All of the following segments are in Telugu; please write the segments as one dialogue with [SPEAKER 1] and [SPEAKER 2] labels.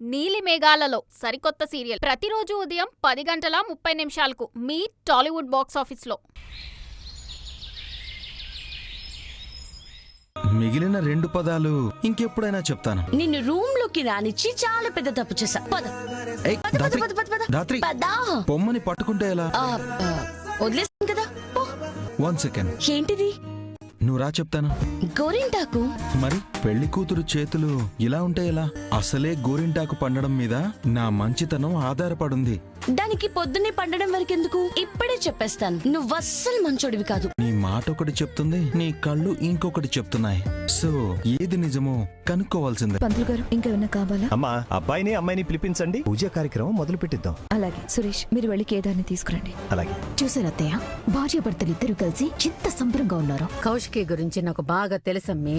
[SPEAKER 1] నీలి మేఘాలలో సరికొత్త సీరియల్ ప్రతిరోజు ఉదయం 10:30 మీ టాలీవుడ్ బాక్స్ ఆఫీస్లో.
[SPEAKER 2] మిగిలిన 2 పదాలు ఇంకెప్పుడైనా చెప్తాను.
[SPEAKER 3] నిన్ను రూమ్ లోకి రానిచ్చి చాలా పెద్ద తప్పు చేశా.
[SPEAKER 2] పొమ్మని పట్టుకుంటే ఎలా?
[SPEAKER 3] వదిలేస్తాను కదా.
[SPEAKER 2] 1 సెకండ్.
[SPEAKER 3] ఏంటిది?
[SPEAKER 2] నువ్వు రా చెప్తాను.
[SPEAKER 3] గోరింటాకు.
[SPEAKER 2] మరి పెళ్లి కూతురు చేతులు ఇలా ఉంటే ఎలా? అసలే గోరింటాకు పండడం మీద నా మంచితనం ఆధారపడుంది.
[SPEAKER 3] దానికి పొద్దున్నే పండడం వరకెందుకు? ఇప్పుడే చెప్పేస్తాను, నువ్వు అస్సలు మంచోడివి కాదు.
[SPEAKER 2] నీ మాట ఒకటి చెప్తుంది, నీ కళ్ళు ఇంకొకటి చెప్తున్నాయి. సో ఏది నిజమో కనుక్కోవాల్సిందే.
[SPEAKER 4] పంతులు గారు, ఇంకేమన్నా కావాలా?
[SPEAKER 5] అమ్మా, అబ్బాయిని అమ్మాయిని పిలిపించండి, పూజా కార్యక్రమం మొదలు పెట్టిద్దాం.
[SPEAKER 4] అలాగే. సురేష్, మీరు వెళ్ళి కేదార్ని తీసుకురండి.
[SPEAKER 5] అలాగే.
[SPEAKER 6] చూసారు అత్తయ్య, భార్యాభర్తలిద్దరూ కలిసి ఎంత సంబరంగా ఉన్నారు.
[SPEAKER 7] కౌశికి గురించి నాకు బాగా తెలుసమ్మే.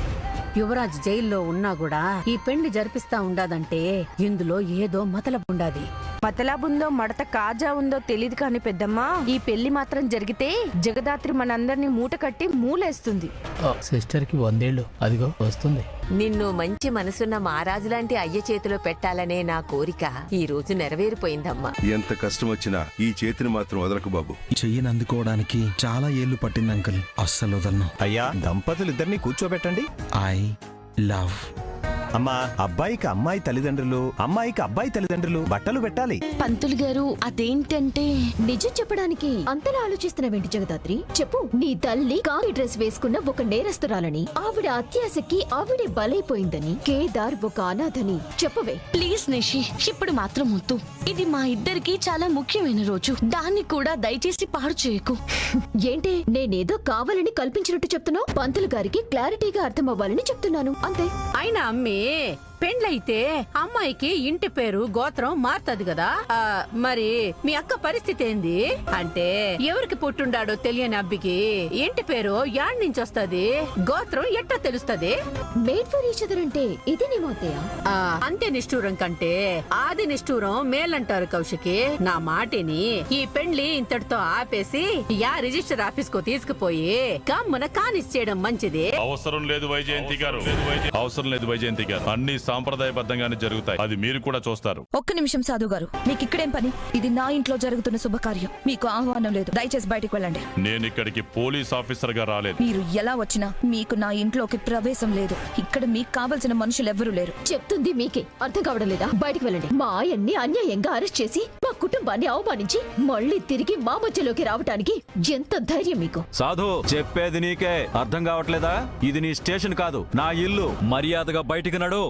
[SPEAKER 7] యువరాజ్ జైల్లో ఉన్నా కూడా ఈ పెళ్లి జరిపిస్తా ఉండాదంటే ఇందులో ఏదో మతలబుండాది.
[SPEAKER 8] మతలాబుందో మడత కాజా ఉందో తెలీదు కాని పెద్దమ్మా, ఈ పెళ్లి మాత్రం జరిగితే జగదాత్రి మనందరినీ మూట కట్టి మూలేస్తుంది.
[SPEAKER 9] సిస్టర్ కి 100 ఏళ్ళు అదిగో వస్తుంది.
[SPEAKER 10] నిన్ను మంచి మనసున్న మహారాజు లాంటి అయ్య చేతిలో పెట్టాలనే నా కోరిక ఈ రోజు నెరవేరిపోయిందమ్మా.
[SPEAKER 11] ఎంత కష్టం వచ్చినా ఈ చేతిని మాత్రం వదలకు బాబు.
[SPEAKER 2] చెయ్యిని అందుకోవడానికి చాలా ఏళ్లు పట్టింది అంకుల్. అస్సలు వదలను.
[SPEAKER 5] అయ్యా, దంపతులిద్దరిని కూర్చోబెట్టండి.
[SPEAKER 2] I love.
[SPEAKER 5] అమ్మా, అబ్బాయికి అమ్మాయి తల్లిదండ్రులు, అమ్మాయికి అబ్బాయి తల్లిదండ్రులు బట్టలు పెట్టాలి.
[SPEAKER 3] పంతులు గారు, అదేంటంటే
[SPEAKER 6] నిజం చెప్పడానికి అంతలా ఆలోచిస్తున్నావేంటి జగదాత్రి? చెప్పు, నీ తల్లి కాకి డ్రెస్ వేసుకున్న ఒక నేరస్తురాలని, ఆవిడ అత్యాశకి ఆవిడే బలైపోయిందని, కేదార్ ఒక అనాథని చెప్పవే.
[SPEAKER 3] ప్లీజ్ నిషి, ఇప్పుడు మాత్రం వద్దు. ఇది మా ఇద్దరికి చాలా ముఖ్యమైన రోజు, దాన్ని కూడా దయచేసి పాడు చేయకు.
[SPEAKER 6] ఏంటే, నేనేదో కావాలని కల్పించినట్టు చెప్తున్నావు? పంతులు గారికి క్లారిటీగా అర్థం అవ్వాలని చెప్తున్నాను, అంతే.
[SPEAKER 7] అయినా అమ్మి, పెండ్లైతే అమ్మాయికి ఇంటి పేరు గోత్రం మారుతుంది కదా. మరి మీ అక్క పరిస్థితి ఏంది? అంటే ఎవరికి పుట్టుండాడో తెలియని అబ్బికి ఇంటి పేరు యాడ్ నుంచి వస్తుంది, గోత్రం ఎట్టా తెలుస్తుంది?
[SPEAKER 6] మేడ్ ఫర్ ఈచ్ అదర్ అంటే ఇదేనేమో అత్తయ్య.
[SPEAKER 7] అంత్య నిష్ఠూరం కంటే ఆది నిష్ఠూరం మేలంటారు కౌశికి. నా మాటిని ఈ పెండ్లి ఇంతటితో ఆపేసి యా రిజిస్టర్ ఆఫీస్ కు తీసుకుపోయి కమ్మున కానిచ్చేయడం మంచిది.
[SPEAKER 12] అవసరం లేదు వైజయంతి గారు, అవసరం లేదు వైజయంతి గారు. అన్ని సాంప్రదాయబద్ధంగానే జరుగుతాయి, అది మీరు కూడా చూస్తారు.
[SPEAKER 4] ఒక్క నిమిషం సాధు గారు, మీకు ఇక్కడేం పని? ఇది నా ఇంట్లో జరుగుతున్న శుభకార్యం, మీకు ఆహ్వానం లేదు. దయచేసి బయటికి వెళ్ళండి.
[SPEAKER 12] నేను ఇక్కడికి పోలీస్ ఆఫీసర్ గా రాలేదు.
[SPEAKER 4] మీరు ఎలా వచ్చినా మీకు నా ఇంట్లోకి ప్రవేశం లేదు. ఇక్కడ మీకు కావలసిన మనుషులు ఎవ్వరూ లేరు.
[SPEAKER 6] చెప్తుంది మీకే అర్థం కావడం లేదా? బయటికి వెళ్ళండి. మా ఆయన్ని అన్యాయంగా అరెస్ట్ చేసి మా కుటుంబాన్ని అవమానించి మళ్ళీ తిరిగి మా మధ్యలోకి రావటానికి ఎంత ధైర్యం మీకు?
[SPEAKER 13] సాధు, చెప్పేది నీకే అర్థం కావట్లేదా? ఇది నీ స్టేషన్ కాదు, నా ఇల్లు. మర్యాదగా బయటికి నడు.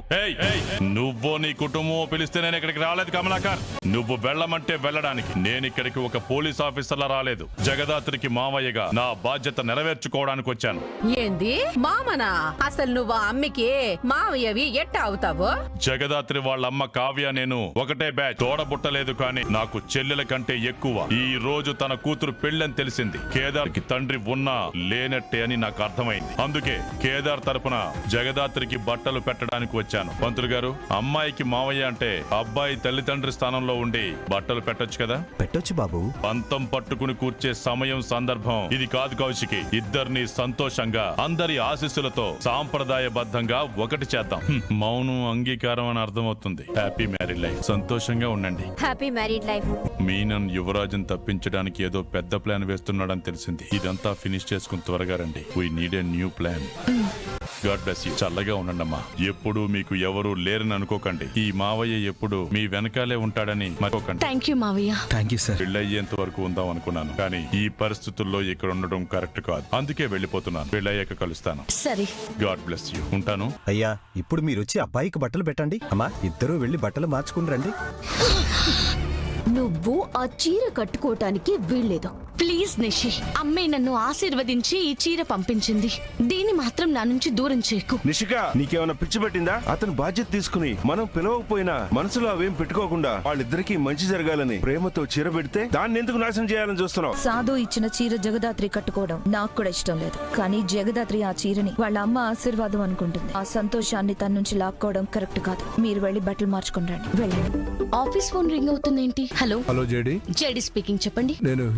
[SPEAKER 12] నువ్వో నీ కుటుంబం పిలిస్తే నేను ఇక్కడికి రాలేదు కమలాకర్. నువ్వు వెళ్ళమంటే వెళ్ళడానికి. నేను ఇక్కడికి ఒక పోలీస్ ఆఫీసర్లా రాలేదు, జగదాత్రికి మావయ్యగా నా బాధ్యత నెరవేర్చుకోవడానికి వచ్చాను.
[SPEAKER 7] ఏంది మామనా? అసలు నువ్వు అమ్మికి మావయ్యవి ఎట్టా అవుతావు?
[SPEAKER 12] జగదాత్రి వాళ్ళ అమ్మ కావ్య నేను ఒకటే బ్యాచ్. తోడబుట్టలేదు కానీ నాకు చెల్లెల కంటే ఎక్కువ. ఈ రోజు తన కూతురు పెళ్ళని తెలిసింది. కేదార్ కి తండ్రి ఉన్నా లేనట్టే అని నాకు అర్థమైంది. అందుకే కేదార్ తరపున జగదాత్రికి బట్టలు పెట్టడానికి వచ్చాను. పంతులు గారు, అమ్మాయికి మావయ్య అంటే అబ్బాయి తల్లిదండ్రి స్థానంలో ఉండి బట్టలు పెట్టొచ్చు కదా?
[SPEAKER 5] పెట్టొచ్చు బాబు.
[SPEAKER 12] పంతం పట్టుకుని కూర్చే సమయం సందర్భం ఇది కాదు కౌశికి. ఇద్దరిని సంతోషంగా అందరి ఆశీస్సులతో సాంప్రదాయబద్ధంగా ఒకటి చేద్దాం. మౌనం అంగీకారం అని అర్థమవుతుంది. Happy married life. సంతోషంగా ఉండండి.
[SPEAKER 10] Happy married life.
[SPEAKER 12] మీనన్ యువరాజుని తప్పించడానికి ఏదో పెద్ద ప్లాన్ వేస్తున్నాడని తెలిసింది. ఇదంతా ఫినిష్ చేసుకుని త్వరగా రండి. We need a new plan. God bless you. చల్లగా ఉండండమ్మా. ఎప్పుడు మీకు ఎవరు లేరని అనుకోకండి. ఈ మావయ్య ఎప్పుడు మీ వెనకాలే ఉంటాడని మర్చిపోకండి.
[SPEAKER 3] థ్యాంక్ యూ మావయ్య.
[SPEAKER 2] Thank you sir.
[SPEAKER 12] పెళ్ళయ్యేంత వరకు ఉందాం అనుకున్నాను, కానీ ఈ పరిస్థితుల్లో ఇక్కడ ఉండడం కరెక్ట్ కాదు. అందుకే వెళ్ళిపోతున్నాను. పెళ్ళయ్యాక కలుస్తాను.
[SPEAKER 3] సరే.
[SPEAKER 12] God bless you. ఉంటాను.
[SPEAKER 5] అయ్యా, ఇప్పుడు మీరొచ్చి అబ్బాయికి బట్టలు పెట్టండి. అమ్మా, ఇద్దరూ వెళ్లి బట్టలు మార్చుకుని రండి.
[SPEAKER 6] నువ్వు ఆ చీర కట్టుకోవటానికి వీల్లేదు.
[SPEAKER 3] ప్లీజ్ నిషి, అమ్మాయి నన్ను ఆశీర్వదించి ఈ చీర పంపించింది. దీన్ని మాత్రం నా నుంచి దూరం చేయకు.
[SPEAKER 11] నిషిక, నీకేమైనా పిచ్చి పట్టిందా? అతను బాధ్యత తీసుకుని మనం పిలవకపోయినా మనసులో అవేం పెట్టుకోకుండా వాళ్ళిద్దరికీ మంచి జరగాలని ప్రేమతో చీర పెడితే దాన్ని ఎందుకు నాశనం చేయాలని చూస్తున్నావు?
[SPEAKER 4] సాధు ఇచ్చిన చీర జగదాత్రి కట్టుకోవడం నాకు కూడా ఇష్టం లేదు. కానీ జగదాత్రి ఆ చీరని వాళ్ళ అమ్మ ఆశీర్వాదం అనుకుంటుంది. ఆ సంతోషాన్ని తన నుంచి లాక్కోవడం కరెక్ట్ కాదు. మీరు వెళ్ళి బట్టలు మార్చుకుని రండి. వెళ్ళండి.
[SPEAKER 3] ఆఫీస్ ఫోన్ రింగ్ అవుతుందేంటి? Hello.
[SPEAKER 14] Hello JD.
[SPEAKER 3] JD speaking. చెప్పండి.
[SPEAKER 14] నేను హ్యూమన్ రైట్స్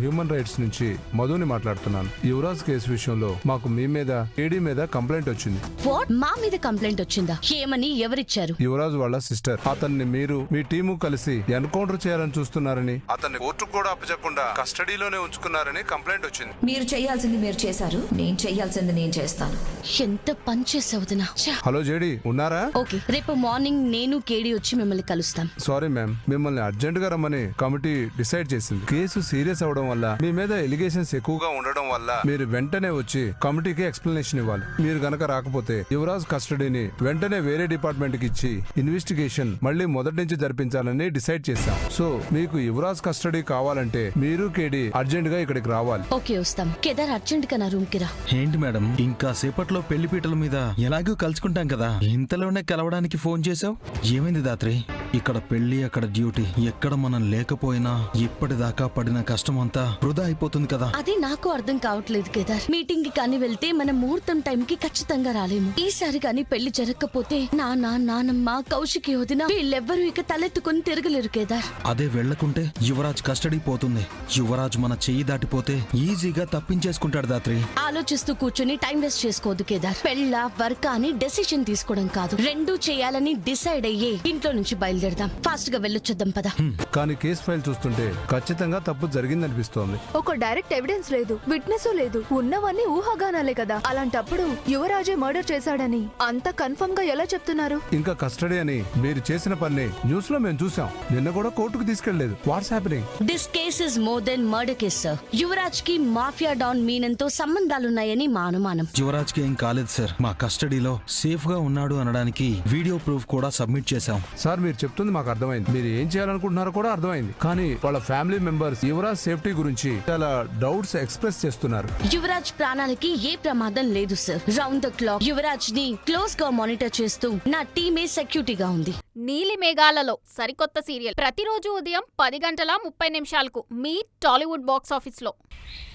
[SPEAKER 14] అప్డేట్స్ నుంచి మధుని మాట్లాడుతున్నాను. యువరాజ్ కేసు విషయంలో మాకు మీ మీద కేడీ మీద కంప్లైంట్ వచ్చింది.
[SPEAKER 3] వాట్? మా మీద కంప్లైంట్ వచ్చిందా? ఏమని? ఎవరిచ్చారు?
[SPEAKER 14] యువరాజ్ వాళ్ళ సిస్టర్. అతన్ని మీరు మీ టీము కలిసి ఎన్కౌంటర్ చేయాలని చూస్తున్నారని, అతన్ని కోర్టుకు కూడా అప్పచెప్పకుండా కస్టడీలోనే ఉంచుకున్నారని కంప్లైంట్ వచ్చింది.
[SPEAKER 4] మీరు చేయాల్సింది మీరు చేశారు, నేను చేయాల్సింది నేను చేస్తాను.
[SPEAKER 3] ఎంత పని చేసావు వదినా.
[SPEAKER 14] హలో జేడి, ఉన్నారా?
[SPEAKER 3] ఓకే, రేపు మార్నింగ్ నేను కేడీ వచ్చి మిమ్మల్ని కలుస్తాం.
[SPEAKER 14] సారీ మ్యామ్, మిమ్మల్ని అర్జెంట్ గా రమ్మని కమిటీ డిసైడ్ చేసింది. కేసు సీరియస్ అవడం వల్ల, మీ మీద ఎలిగేషన్స్ ఎక్కువగా ఉండడం వల్ల మీరు వెంటనే వచ్చి కమిటీకి ఎక్స్ప్లెనేషన్ ఇవ్వాలి. మీరు గనక రాకపోతే యువరాజ్ కస్టడీని వెంటనే వేరే డిపార్ట్మెంట్ కి ఇచ్చి ఇన్వెస్టిగేషన్ మళ్ళీ మొదటి నుంచి జరిపించాలని డిసైడ్ చేశాం. సో మీకు యువరాజ్ కస్టడీ కావాలంటే మీరు కేడీ అర్జెంట్ గా ఇక్కడికి రావాలి.
[SPEAKER 3] ఓకే, వస్తాం. కేదార్ అర్జెంట్ గా నా రూమ్ కి రా.
[SPEAKER 2] ఏంటి మేడం, ఇంకా సేపట్లో పెళ్లి పీటల మీద ఎలాగూ కలుసుకుంటాం కదా, ఇంతలోనే కలవడానికి ఫోన్ చేసావు? ఏమైంది దాత్రి? ఇక్కడ పెళ్లి, అక్కడ డ్యూటీ, ఎక్కడ మనం లేకపోయినా ఇప్పటిదాకా పడిన కష్టం అంతా వృధా అయిపోతుంది కదా.
[SPEAKER 3] అది నాకు అర్థం కావట్లేదు కేదార్. మీటింగ్ కి కానీ వెళ్తే మన ముహూర్తం టైం కి ఖచ్చితంగా రాలేము. ఈసారి కానీ పెళ్లి జరగకపోతే నానమ్మ, కౌశికి వదిన వీళ్ళెవ్వరూ ఇక తలెత్తుకుని తిరగలేరు కేదార్.
[SPEAKER 2] అదే వెళ్లకుంటే యువరాజ్ కస్టడీ పోతుంది. యువరాజ్ మన చెయ్యి దాటిపోతే ఈజీగా తప్పించేసుకుంటాడు దాత్రి.
[SPEAKER 3] ఆలోచిస్తూ కూర్చొని టైం వేస్ట్ చేసుకోవద్దు కేదార్. పెళ్ళ వర్క్ అని డెసిషన్ తీసుకోవడం కాదు, రెండూ చేయాలని డిసైడ్ అయ్యే ఇంట్లో నుంచి బయలుదేరదాం. ఫాస్ట్ గా వెళ్ళొచ్చేద్దాం పద.
[SPEAKER 14] కానీ కేసు ఫైల్ చూస్తుంటే ఖచ్చితంగా తప్పు జరిగిందనిపిస్తోంది.
[SPEAKER 15] ఒక డైరెక్ట్ ఎవిడెన్స్ లేదు, విట్నెస్ లేదు, ఉన్నవన్నీ ఊహాగానాలే కదా. అలాంటప్పుడు యువరాజే మర్డర్ చేశాడని అంత కన్ఫర్మ్ గా ఎలా చెప్తున్నారు?
[SPEAKER 14] ఇంకా కస్టడీ అని మీరు చేసిన పని న్యూస్ లో మేము చూసాం. నిన్న కూడా కోర్టుకు తీసుకెళ్లేదు. What's happening?
[SPEAKER 3] This case is more than murder case sir. Yuvraj కి మాఫియా డాన్ మీనంతో సంబంధాలున్నాయని మా అనుమానం.
[SPEAKER 2] యువరాజ్ కి ఏం కాలేదు సార్. మా కస్టడీలో సేఫ్ గా ఉన్నాడు అనడానికి వీడియో ప్రూఫ్ కూడా సబ్మిట్ చేశాం.
[SPEAKER 14] సార్ మీరు చెప్తుంది మాకు అర్థమైంది, మీరు ఏం చేయాలనుకుంటున్నారో కూడా అర్థమైంది. కానీ వాళ్ళ ఫ్యామిలీ మెంబర్స్ యువరాజ్ సేఫ్టీ గురించి చాలా డౌట్స్ ఎక్స్ప్రెస్ చేస్తున్నారు.
[SPEAKER 3] యువరాజ్ ప్రాణాలకి ఏ ప్రమాదం లేదు sir. Round the clock Yuvraj ని క్లోజ్ గా మానిటర్ చేస్తూ నా టీమే సెక్యూరిటీగా ఉంది.
[SPEAKER 1] నీలి మేఘాలలో సరికొత్త సీరియల్ ప్రతిరోజు ఉదయం 10 గంటల 30 నిమిషాలకు మీ టాలీవుడ్ బాక్స్ ఆఫీస్ లో.